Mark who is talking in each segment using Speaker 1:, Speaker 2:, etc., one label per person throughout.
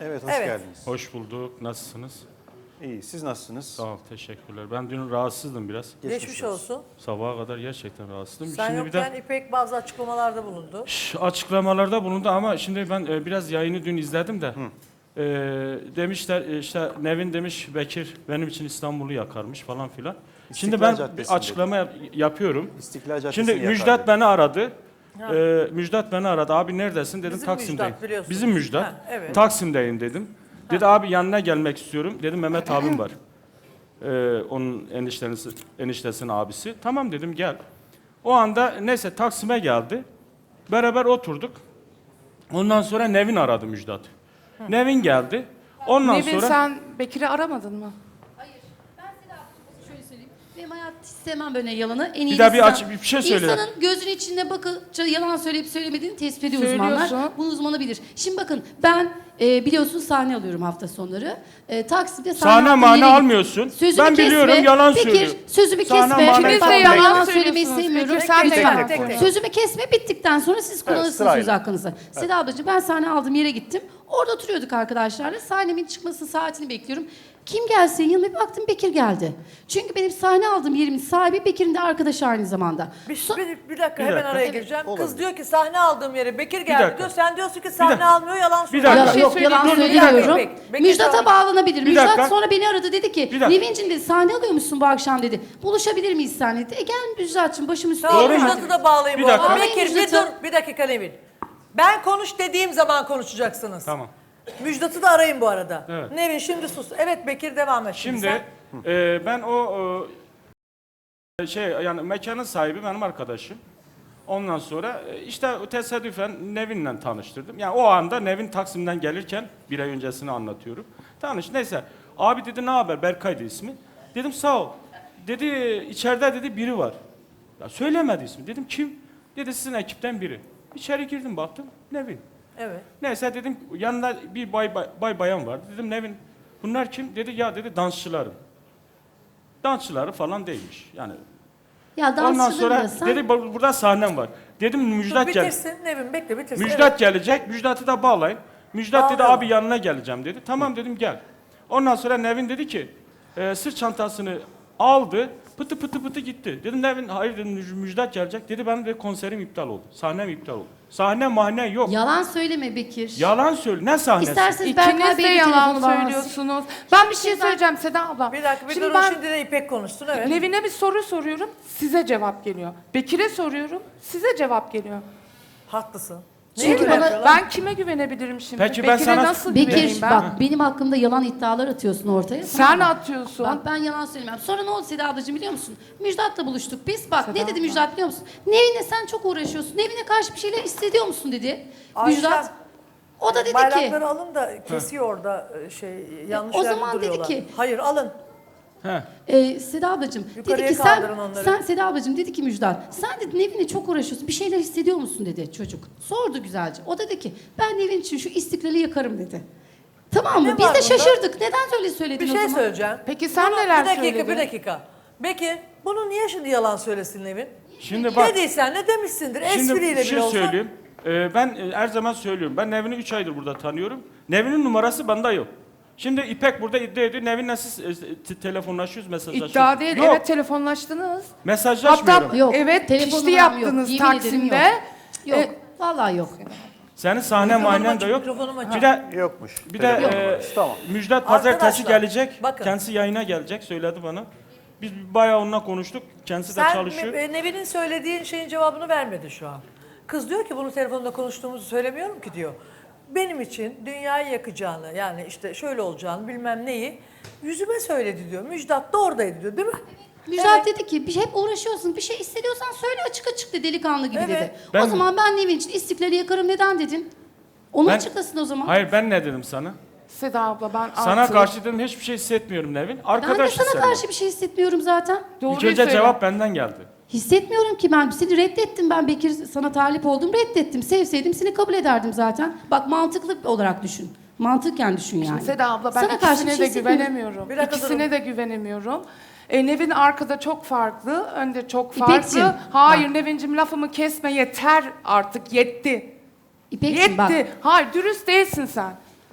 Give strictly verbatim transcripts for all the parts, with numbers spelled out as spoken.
Speaker 1: Evet, hoş
Speaker 2: Evet.
Speaker 1: geldiniz.
Speaker 3: Hoş bulduk. Nasılsınız?
Speaker 1: İyi, siz nasılsınız?
Speaker 3: Sağ ol, teşekkürler. Ben dün rahatsızdım biraz.
Speaker 2: Geçmiş olsun.
Speaker 3: Sabaha kadar gerçekten rahatsızdım.
Speaker 2: Sen
Speaker 3: şimdi
Speaker 2: yokken
Speaker 3: bir de
Speaker 2: İpek bazı açıklamalarda bulundu.
Speaker 3: Şş, açıklamalarda bulundu ama şimdi ben e, biraz yayını dün izledim de. E, demişler e, işte Nevin demiş Bekir benim için İstanbul'u yakarmış falan filan. Şimdi
Speaker 1: İstiklal
Speaker 3: ben
Speaker 1: Caddesi'nde.
Speaker 3: bir açıklama yap- yapıyorum.
Speaker 1: İstiklal Caddesi'ni
Speaker 3: Şimdi
Speaker 1: yakar
Speaker 3: Müjdat
Speaker 1: dedi.
Speaker 3: beni aradı.
Speaker 2: Ha.
Speaker 3: E, Müjdat beni aradı. Abi neredesin dedim.
Speaker 2: Bizim
Speaker 3: Taksim'deyim.
Speaker 2: Müjdat biliyorsunuz.
Speaker 3: Bizim Müjdat.
Speaker 2: Ha, evet.
Speaker 3: Taksim'deyim dedim. Dedi abi yanına gelmek istiyorum. Dedim Mehmet abim var. Ee, onun eniştesi, eniştesinin abisi. Tamam dedim gel. O anda neyse Taksim'e geldi. Beraber oturduk. Ondan sonra Nevin aradı Müjdat. Nevin geldi. Ondan
Speaker 4: Nevin
Speaker 3: sonra
Speaker 4: sen Bekir'i aramadın mı?
Speaker 5: Hayır. Ben Seda şöyle söyleyeyim. Benim hayat istemem böyle yalanı. En iyi
Speaker 3: Bir daha bir
Speaker 5: insan-
Speaker 3: aç- bir şey söyle.
Speaker 5: İnsanın gözünün içine bakınca yalan söyleyip söylemediğini tespit ediyor uzmanlar.
Speaker 4: Söylüyorsun.
Speaker 5: Bunu uzmanı bilir. Şimdi bakın ben e, biliyorsun sahne alıyorum hafta sonları. E, Taksim'de sahne,
Speaker 3: sahne
Speaker 5: aldığım
Speaker 3: mahne
Speaker 5: yere-
Speaker 3: almıyorsun.
Speaker 5: Sözümü
Speaker 3: ben
Speaker 5: kesme.
Speaker 3: biliyorum yalan
Speaker 5: Bekir,
Speaker 3: söylüyor.
Speaker 5: sözümü
Speaker 3: Sahne
Speaker 5: kesme.
Speaker 3: mahne
Speaker 4: İkiniz de
Speaker 5: Bak, ben
Speaker 4: yalan
Speaker 5: yalan söylemeyi
Speaker 4: söylüyorsunuz.
Speaker 5: sevmiyorum.
Speaker 4: Bekir, sen de
Speaker 5: Lütfen.
Speaker 4: yalan
Speaker 1: tek tek.
Speaker 5: Sözümü kesme bittikten sonra siz kullanırsınız
Speaker 1: sırayla.
Speaker 5: söz hakkınızı. Seda ablacığım ben sahne aldığım yere gittim. Orada oturuyorduk arkadaşlarla. Sahnemin çıkması saatini bekliyorum. Kim gelse yanıma bir baktım Bekir geldi. Çünkü benim sahne aldığım yerimin sahibi Bekir'in de arkadaşı aynı zamanda.
Speaker 2: Bir,
Speaker 5: So-
Speaker 2: bir, bir dakika
Speaker 3: Bir
Speaker 2: hemen
Speaker 3: dakika.
Speaker 2: araya
Speaker 3: Evet,
Speaker 2: gireceğim. Kız
Speaker 1: olabilir.
Speaker 2: diyor ki sahne aldığım yere Bekir geldi
Speaker 3: dakika.
Speaker 2: diyor. Sen diyorsun ki sahne
Speaker 3: dakika.
Speaker 2: almıyor yalan
Speaker 3: Bir
Speaker 2: söylüyor.
Speaker 3: dakika.
Speaker 5: Ya,
Speaker 4: şey
Speaker 5: yok
Speaker 4: söyleyeyim.
Speaker 5: yalan
Speaker 3: Dur, bir
Speaker 5: söylemiyorum.
Speaker 2: dakika. Bekir
Speaker 5: Müjdat'a
Speaker 2: sonra-
Speaker 5: bağlanabilir.
Speaker 3: Bir
Speaker 5: Müjdat
Speaker 3: dakika.
Speaker 5: sonra beni aradı dedi ki
Speaker 3: Bir dakika.
Speaker 5: Nevin'cim dedi sahne alıyormuşsun bu akşam dedi. Buluşabilir miyiz sen dedi. E gel Müjdat'cığım başım üstüne.
Speaker 2: Tamam
Speaker 3: Doğru mu?
Speaker 2: Müjdat'ı da bağlayın
Speaker 3: Bir
Speaker 2: bu arada.
Speaker 3: dakika.
Speaker 2: Bekir bir
Speaker 5: Müjdat'ı.
Speaker 2: dur bir dakika Nevin. Ben konuş dediğim zaman konuşacaksınız.
Speaker 3: Tamam.
Speaker 2: Müjdat'ı da arayın bu arada.
Speaker 3: Evet.
Speaker 2: Nevin şimdi sus. Evet Bekir devam et.
Speaker 3: Şimdi
Speaker 2: sen.
Speaker 3: e, ben o e, şey yani mekanın sahibi benim arkadaşım. Ondan sonra e, işte tesadüfen Nevin'le tanıştırdım. Yani o anda Nevin Taksim'den gelirken bir ay öncesini anlatıyorum. Tanış neyse. Abi dedi ne haber? Berkay'dı ismi. Dedim sağ ol. Dedi içeride dedi biri var. Ya söylemedi ismi. Dedim kim? Dedi sizin ekipten biri. İçeri girdim baktım Nevin.
Speaker 2: Evet.
Speaker 3: Neyse dedim yanında bir bay, bay, bay bayan vardı. Dedim Nevin bunlar kim? Dedi ya dedi dansçılarım. Dansçıları falan değilmiş. Yani
Speaker 5: Ya
Speaker 3: ondan
Speaker 5: dansçıları
Speaker 3: sonra
Speaker 5: da sen.
Speaker 3: dedi "Bu- burada sahnem var. Dedim
Speaker 2: Dur
Speaker 3: Müjdat gel.
Speaker 2: bitirsin Nevin bekle bitirsin.
Speaker 3: Müjdat gelecek. Müjdat'ı da bağlayın. Müjdat dedi
Speaker 2: Bağlayalım.
Speaker 3: abi yanına geleceğim dedi. Tamam dedim gel. Ondan sonra Nevin dedi ki e, sırt çantasını aldı. Pıtı pıtı pıtı gitti. Dedim Nevin hayır dedim Müj- Müjdat gelecek. Dedi benim de konserim iptal oldu. Sahnem iptal oldu. Sahne mahne yok.
Speaker 5: Yalan söyleme Bekir.
Speaker 3: Yalan söyle. Ne sahnesi?
Speaker 5: İsterseniz Berkay
Speaker 4: İkiniz de
Speaker 5: Bey'le
Speaker 4: yalan
Speaker 5: telefonu bağlansın.
Speaker 4: söylüyorsunuz. Ben bir şey söyleyeceğim Seda abla.
Speaker 2: Bir dakika bir
Speaker 4: Şimdi
Speaker 2: durun
Speaker 4: ben
Speaker 2: şimdi de İpek konuşsun evet.
Speaker 4: Nevin'e bir soru soruyorum, size cevap geliyor. Bekir'e soruyorum, size cevap geliyor.
Speaker 2: Haklısın.
Speaker 5: Çünkü
Speaker 2: Neye
Speaker 5: bana-
Speaker 2: güveniyorlar?
Speaker 4: Ben kime güvenebilirim şimdi?
Speaker 3: Peki ben
Speaker 4: Bekir'e
Speaker 3: sana-
Speaker 4: nasıl güveneyim
Speaker 5: Bekir
Speaker 4: ben?
Speaker 5: bak benim hakkımda yalan iddialar atıyorsun ortaya.
Speaker 4: Sen
Speaker 5: tamam mı?
Speaker 4: atıyorsun.
Speaker 5: Bak ben yalan söylemem. Sonra ne oldu Seda ablacığım biliyor musun? Müjdat'la buluştuk biz. Bak
Speaker 4: Seda
Speaker 5: ne dedi
Speaker 4: abla.
Speaker 5: Müjdat biliyor musun? Nevin'le sen çok uğraşıyorsun. Nevin'e karşı bir şeyler hissediyor musun dedi.
Speaker 2: Ayşem,
Speaker 5: Müjdat. O da dedi ki.
Speaker 2: Bayrakları alın da kesiyor orada e, şey yanlış
Speaker 5: o
Speaker 2: yerde
Speaker 5: zaman dedi
Speaker 2: duruyorlar.
Speaker 5: ki-
Speaker 2: Hayır alın.
Speaker 3: He.
Speaker 5: Ee, Seda ablacığım dedi
Speaker 2: Yukarıya
Speaker 5: ki sen,
Speaker 2: kaldırın onları.
Speaker 5: sen Seda ablacığım dedi ki Müjdat sen dedi Nevin'le çok uğraşıyorsun bir şeyler hissediyor musun dedi çocuk. Sordu güzelce. O dedi ki ben Nevin için şu istiklali yakarım dedi. Tamam
Speaker 2: Ne
Speaker 5: mı? Biz
Speaker 2: var
Speaker 5: de
Speaker 2: bunda?
Speaker 5: şaşırdık. Neden öyle söyledin
Speaker 2: Bir
Speaker 5: o
Speaker 2: şey
Speaker 5: zaman?
Speaker 2: söyleyeceğim.
Speaker 4: Peki sen
Speaker 2: Bunu-
Speaker 4: neler
Speaker 2: Bir dakika
Speaker 4: söyledin?
Speaker 2: bir dakika. Peki bunu niye şimdi yalan söylesin Nevin?
Speaker 3: Şimdi bak.
Speaker 2: Ne değilsen ne demişsindir
Speaker 3: Şimdi
Speaker 2: espriyle
Speaker 3: bir şey
Speaker 2: bile olsa.
Speaker 3: söyleyeyim. Ee, ben e, her zaman söylüyorum. Ben Nevin'i üç aydır burada tanıyorum. Nevin'in numarası bende yok. Şimdi İpek burada iddia ediyor. Nevin'le siz e, te- telefonlaşıyoruz, mesajlaşıyoruz.
Speaker 4: İddia değil,
Speaker 3: Yok,
Speaker 4: evet telefonlaştınız.
Speaker 3: mesajlaşmıyorum.
Speaker 4: Hatta
Speaker 5: Yok,
Speaker 4: evet
Speaker 5: telefon
Speaker 4: pişti
Speaker 5: numaram yok.
Speaker 4: yaptınız
Speaker 5: Yemin ederim
Speaker 4: Taksim'de.
Speaker 5: yok. Yok.
Speaker 4: E,
Speaker 5: Vallahi yok.
Speaker 3: Senin sahne
Speaker 2: Mikrofonum
Speaker 3: mahnen de
Speaker 2: açık,
Speaker 3: yok.
Speaker 2: mikrofonum açık.
Speaker 3: Bir de
Speaker 1: Yokmuş.
Speaker 3: bir de
Speaker 1: Telefon
Speaker 3: e,
Speaker 1: numarası, tamam.
Speaker 3: Müjdat pazartesi
Speaker 2: Arkadaşlar,
Speaker 3: gelecek.
Speaker 2: bakın.
Speaker 3: Kendisi yayına gelecek söyledi bana. Biz bayağı onunla konuştuk. Kendisi de
Speaker 2: Sen
Speaker 3: çalışıyor.
Speaker 2: e, Nevin'in söylediğin şeyin cevabını vermedi şu an. Kız diyor ki bunu telefonda konuştuğumuzu söylemiyorum ki diyor. Benim için dünyayı yakacağını yani işte şöyle olacağını bilmem neyi yüzüme söyledi diyor. Müjdat da oradaydı diyor değil mi?
Speaker 5: Müjdat dedi ki bir şey hep uğraşıyorsun. Bir şey hissediyorsan söyle açık açık de delikanlı gibi
Speaker 2: Evet.
Speaker 5: dedi.
Speaker 3: Ben-
Speaker 5: o zaman ben Nevin için istiklali yakarım neden dedin? Onu
Speaker 3: Ben-
Speaker 5: açıklasın o zaman.
Speaker 3: Hayır ben ne dedim sana?
Speaker 4: Seda abla ben
Speaker 3: Sana
Speaker 4: artık-
Speaker 3: karşı dedim hiçbir şey hissetmiyorum Nevin.
Speaker 5: Ben de
Speaker 3: Arkadaş
Speaker 5: sana
Speaker 3: hissediyorum.
Speaker 5: karşı bir şey hissetmiyorum zaten.
Speaker 4: Doğruyu
Speaker 3: İlk önce
Speaker 4: söyle.
Speaker 3: cevap benden geldi.
Speaker 5: Hissetmiyorum ki ben. Seni reddettim ben Bekir. Sana talip oldum reddettim. Sevseydim seni kabul ederdim zaten. Bak mantıklı olarak düşün. Mantıken düşün yani.
Speaker 4: Seda abla ben
Speaker 5: Sana karşı bir
Speaker 4: ikisine
Speaker 5: şey
Speaker 4: de
Speaker 5: hissetmiyorum.
Speaker 4: güvenemiyorum.
Speaker 2: Bir dakika
Speaker 4: İkisine
Speaker 2: durun.
Speaker 4: de güvenemiyorum. E, Nevin arkada çok farklı, önde çok
Speaker 5: İpekciğim,
Speaker 4: farklı. Hayır
Speaker 5: bak.
Speaker 4: Nevin'cim lafımı kesme yeter artık yetti.
Speaker 5: İpekciğim
Speaker 4: Yetti.
Speaker 5: bak.
Speaker 4: Hayır dürüst değilsin sen.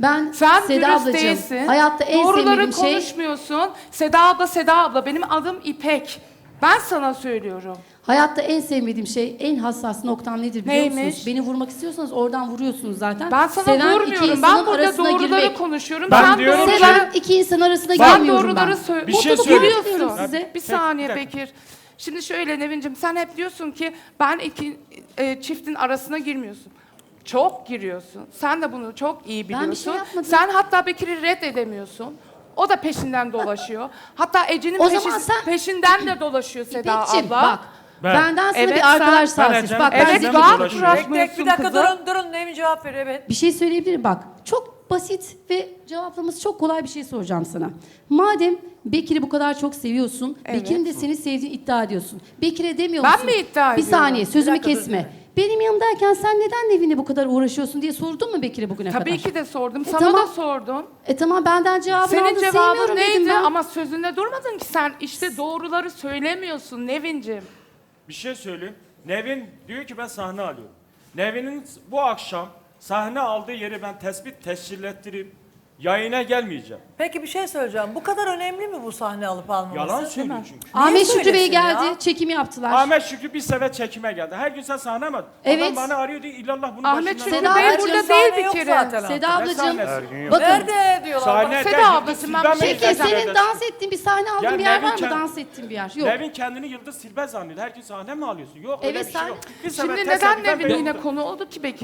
Speaker 5: Ben
Speaker 4: Sen
Speaker 5: Seda
Speaker 4: dürüst
Speaker 5: ablacığım,
Speaker 4: değilsin.
Speaker 5: hayatta en
Speaker 4: Doğruları
Speaker 5: sevmediğim şey...
Speaker 4: konuşmuyorsun. Seda abla, Seda abla. Benim adım İpek. Ben sana söylüyorum.
Speaker 5: Hayatta en sevmediğim şey, en hassas noktam nedir biliyor
Speaker 4: Neymiş?
Speaker 5: musunuz? Beni vurmak istiyorsanız oradan vuruyorsunuz zaten.
Speaker 4: Ben sana
Speaker 5: Seven iki
Speaker 4: vurmuyorum.
Speaker 5: insanın
Speaker 4: Ben burada
Speaker 5: arasına
Speaker 4: doğruları
Speaker 5: girmek.
Speaker 4: konuşuyorum.
Speaker 3: Ben
Speaker 4: sen
Speaker 3: diyorum ki-
Speaker 5: Seven
Speaker 4: doğruları...
Speaker 5: iki insan arasına
Speaker 4: Ben
Speaker 5: girmiyorum ben.
Speaker 4: doğruları söyle.
Speaker 3: Bir şey
Speaker 5: Mutluluk
Speaker 3: söyleyeyim.
Speaker 5: diliyorum
Speaker 3: Ya,
Speaker 5: size.
Speaker 4: Bir
Speaker 3: Peki,
Speaker 4: saniye
Speaker 3: bir dakika.
Speaker 4: Bekir. Şimdi şöyle Nevin'cim, sen hep diyorsun ki ben iki e, çiftin arasına girmiyorsun. Çok giriyorsun. Sen de bunu çok iyi
Speaker 5: Ben
Speaker 4: biliyorsun.
Speaker 5: bir şey yapmadım.
Speaker 4: Sen hatta Bekir'i reddedemiyorsun. O da peşinden dolaşıyor. Hatta Ece'nin
Speaker 5: O
Speaker 4: peşi-
Speaker 5: zaman sen-
Speaker 4: peşinden de dolaşıyor Seda
Speaker 5: İpekçim,
Speaker 4: abla.
Speaker 5: bak.
Speaker 3: Ben-
Speaker 5: Benden sana
Speaker 4: Evet,
Speaker 5: bir
Speaker 4: sen-
Speaker 5: arkadaş
Speaker 3: Ben
Speaker 5: tavsiyesi.
Speaker 3: Ecem-
Speaker 5: Bak ben
Speaker 3: Evet,
Speaker 4: Evet,
Speaker 3: Ecem
Speaker 5: de-
Speaker 3: de
Speaker 4: rahat
Speaker 3: dolaşıyor.
Speaker 4: bırak-
Speaker 2: Tek tek bir
Speaker 4: Bırakmıyorsun
Speaker 2: dakika
Speaker 4: kızı.
Speaker 2: durun durun Nevin cevap ver evet.
Speaker 5: Bir şey söyleyebilirim bak. Çok basit ve cevaplaması çok kolay bir şey soracağım sana. Madem Bekir'i bu kadar çok seviyorsun,
Speaker 4: Evet.
Speaker 5: Bekir'in de seni sevdiğini iddia ediyorsun. Bekir'e demiyor
Speaker 4: Ben
Speaker 5: musun?
Speaker 4: mi iddia
Speaker 5: Bir
Speaker 4: ediyorum?
Speaker 5: saniye sözümü
Speaker 2: Bir dakika, dur,
Speaker 5: kesme. Benim yanımdayken sen neden Nevin'le bu kadar uğraşıyorsun diye sordun mu Bekir'e bugüne kadar?
Speaker 4: Tabii ki de sordum.
Speaker 5: E,
Speaker 4: Sana
Speaker 5: tamam.
Speaker 4: da sordum.
Speaker 5: E tamam benden cevabını
Speaker 4: Senin
Speaker 5: aldın,
Speaker 4: cevabın
Speaker 5: sevmiyorum dedim
Speaker 4: neydi?
Speaker 5: ben.
Speaker 4: Ama sözünde durmadın ki sen. İşte doğruları söylemiyorsun Nevin'cim.
Speaker 3: Bir şey söyleyeyim. Nevin diyor ki ben sahne alıyorum. Nevin'in bu akşam sahne aldığı yeri ben tespit tescil ettireyim. Yayına gelmeyeceğim.
Speaker 2: Peki bir şey söyleyeceğim. Bu kadar önemli mi bu sahne alıp almaması?
Speaker 3: Yalan söylüyor çünkü.
Speaker 5: Ahmet Şükrü Bey
Speaker 2: söylesin
Speaker 5: geldi,
Speaker 2: ya?
Speaker 5: çekimi yaptılar.
Speaker 3: Ahmet Şükrü bir sefer çekime geldi. Her gün sen sahne mi?
Speaker 5: Evet.
Speaker 3: Adam bana arıyor diyor illallah bunun
Speaker 4: Ahmet
Speaker 3: başından.
Speaker 4: Şükrü
Speaker 5: Seda
Speaker 4: Bey
Speaker 5: ablacığım,
Speaker 4: burada
Speaker 2: sahne
Speaker 4: değil bir
Speaker 2: yok
Speaker 4: kere.
Speaker 2: zaten.
Speaker 5: Seda
Speaker 3: Ne
Speaker 5: ablacığım,
Speaker 3: sahnesi?
Speaker 1: Her gün yok.
Speaker 5: bakın.
Speaker 2: Nerede diyorlar?
Speaker 3: Sahne
Speaker 4: Seda
Speaker 3: değil,
Speaker 4: ablacığım,
Speaker 3: Yıldız
Speaker 4: ben
Speaker 3: Silbe
Speaker 4: bir
Speaker 3: mi
Speaker 4: şey
Speaker 5: Peki
Speaker 3: gidecek
Speaker 5: senin
Speaker 3: kardeşim?
Speaker 5: dans ettiğin bir sahne aldığın
Speaker 3: Ya
Speaker 5: bir yer
Speaker 3: Nevin
Speaker 5: var mı?
Speaker 3: kend-
Speaker 5: Dans ettiğin bir yer. Yok.
Speaker 3: Nevin kendini Yıldız Silbe zannediyor. Her gün sahne mi alıyorsun? Yok öyle
Speaker 5: Evet,
Speaker 3: bir şey
Speaker 5: sen-
Speaker 3: yok. Bir sefer
Speaker 4: Şimdi
Speaker 3: tesadüfen
Speaker 4: neden Nevin
Speaker 3: ben-
Speaker 4: yine konu oldu ki Bekir?